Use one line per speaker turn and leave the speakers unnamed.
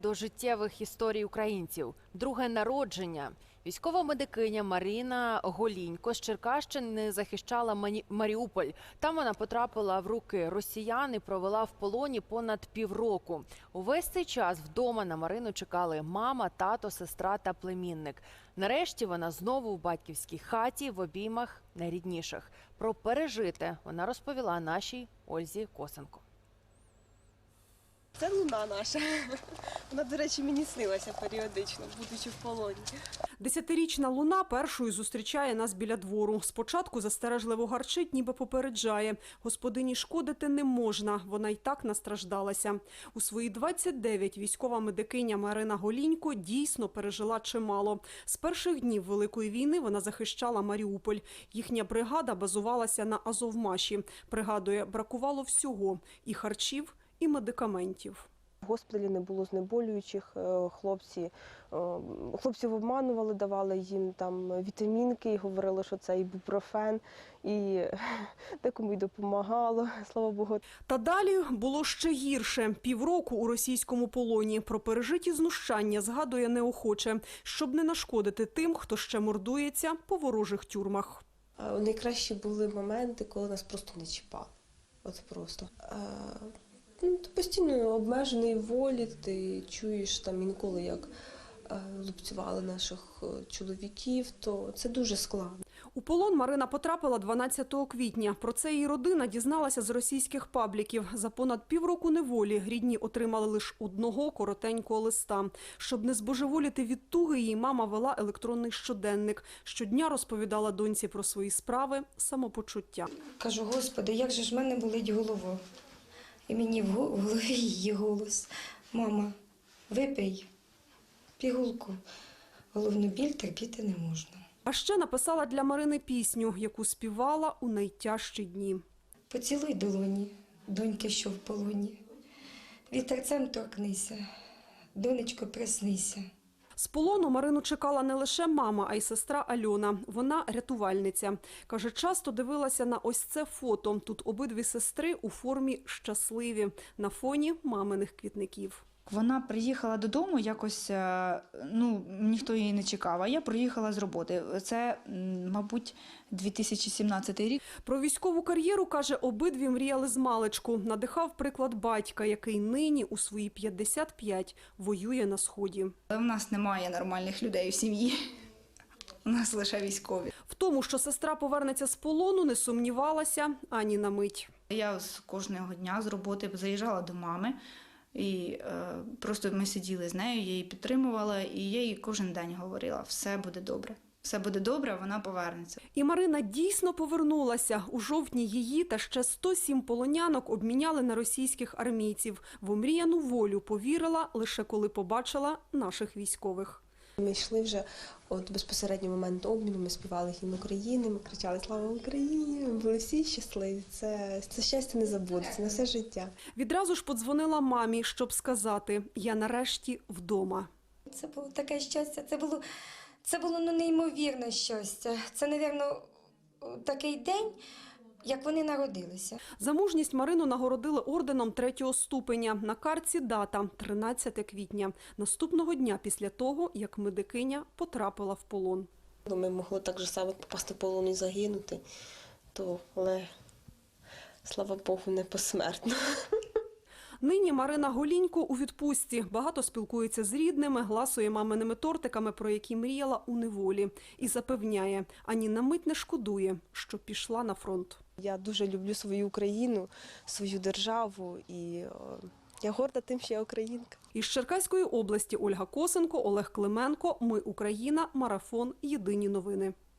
до життєвих історій українців. Друге народження. Військова медикиня Марина Голінько з Черкащини захищала Маріуполь. Там вона потрапила в руки росіян і провела в полоні понад півроку. Увесь цей час вдома на Марину чекали мама, тато, сестра та племінник. Нарешті вона знову в батьківській хаті в обіймах найрідніших. Про пережите вона розповіла нашій Ользі Косенко.
Це луна наша. Вона, до речі, мені снилася періодично, будучи в полоні.
10-річна Луна першою зустрічає нас біля двору. Спочатку застережливо гарчить, ніби попереджає. Господині шкодити не можна, вона й так настраждалася. У свої 29 військова медикиня Марина Голінько дійсно пережила чимало. З перших днів Великої війни вона захищала Маріуполь. Їхня бригада базувалася на Азовмаші. Пригадує, бракувало всього – і харчів, і медикаментів.
В госпіталі не було знеболюючих, хлопців обманували, давали їм там вітамінки і говорили, що це ібупрофен, і декому й допомагало, слава Богу.
Та далі було ще гірше. Півроку у російському полоні. Про пережиті знущання згадує неохоче, щоб не нашкодити тим, хто ще мордується по ворожих тюрмах.
Найкращі були моменти, коли нас просто не чіпали. От просто. Ти постійно обмежений в волі, ти чуєш там інколи, як лупцювали наших чоловіків, то це дуже складно.
У полон Марина потрапила 12 квітня. Про це її родина дізналася з російських пабліків. За понад півроку неволі рідні отримали лише одного коротенького листа. Щоб не збожеволіти від туги, її мама вела електронний щоденник. Щодня розповідала доньці про свої справи, самопочуття.
Кажу, Господи, як же ж в мене болить голова. І мені в голові її голос. Мама, випий пігулку. Головну біль терпіти не можна.
А ще написала для Марини пісню, яку співала у найтяжчі дні.
Поцілуй долоні, доньки, що в полоні. Вітерцем торкнися, донечко, приснися.
З полону Марину чекала не лише мама, а й сестра Альона. Вона рятувальниця. Каже, часто дивилася на ось це фото. Тут обидві сестри у формі щасливі, на фоні маминих квітників.
Вона приїхала додому, якось, ніхто її не чекав, а я приїхала з роботи. Це, мабуть, 2017 рік.
Про військову кар'єру, каже, обидві мріяли змалечку. Надихав приклад батька, який нині у свої 55 воює на Сході.
У нас немає нормальних людей у сім'ї, у нас лише військові.
В тому, що сестра повернеться з полону, не сумнівалася ані на мить.
Я кожного дня з роботи заїжджала до мами, і просто ми сиділи з нею, я її підтримувала, і я їй кожен день говорила: все буде добре. Все буде добре, вона повернеться.
І Марина дійсно повернулася. У жовтні її та ще 107 полонянок обміняли на російських армійців. В омріяну волю повірила лише коли побачила наших військових.
Ми йшли вже безпосередньо в момент обміну, ми співали гімн України, ми кричали «Слава Україні!», ми були всі щасливі. Це щастя не забудеться на все життя.
Відразу ж подзвонила мамі, щоб сказати: «Я нарешті вдома».
Це було таке щастя, це було неймовірне щастя. Це, мабуть, такий день, як вони народилися.
За мужність Марину нагородили орденом 3-го ступеня. На картці дата – 13 квітня. Наступного дня після того, як медикиня потрапила в полон.
Ми могли так же само попасти в полон і загинути, але, слава Богу, не посмертно.
Нині Марина Голінько у відпустці. Багато спілкується з рідними, гласує маминими тортиками, про які мріяла у неволі. І запевняє, ані на мить не шкодує, що пішла на фронт.
Я дуже люблю свою Україну, свою державу, і я горда тим, що я українка.
Із Черкаської області Ольга Косенко, Олег Клименко. Ми Україна. Марафон. Єдині новини.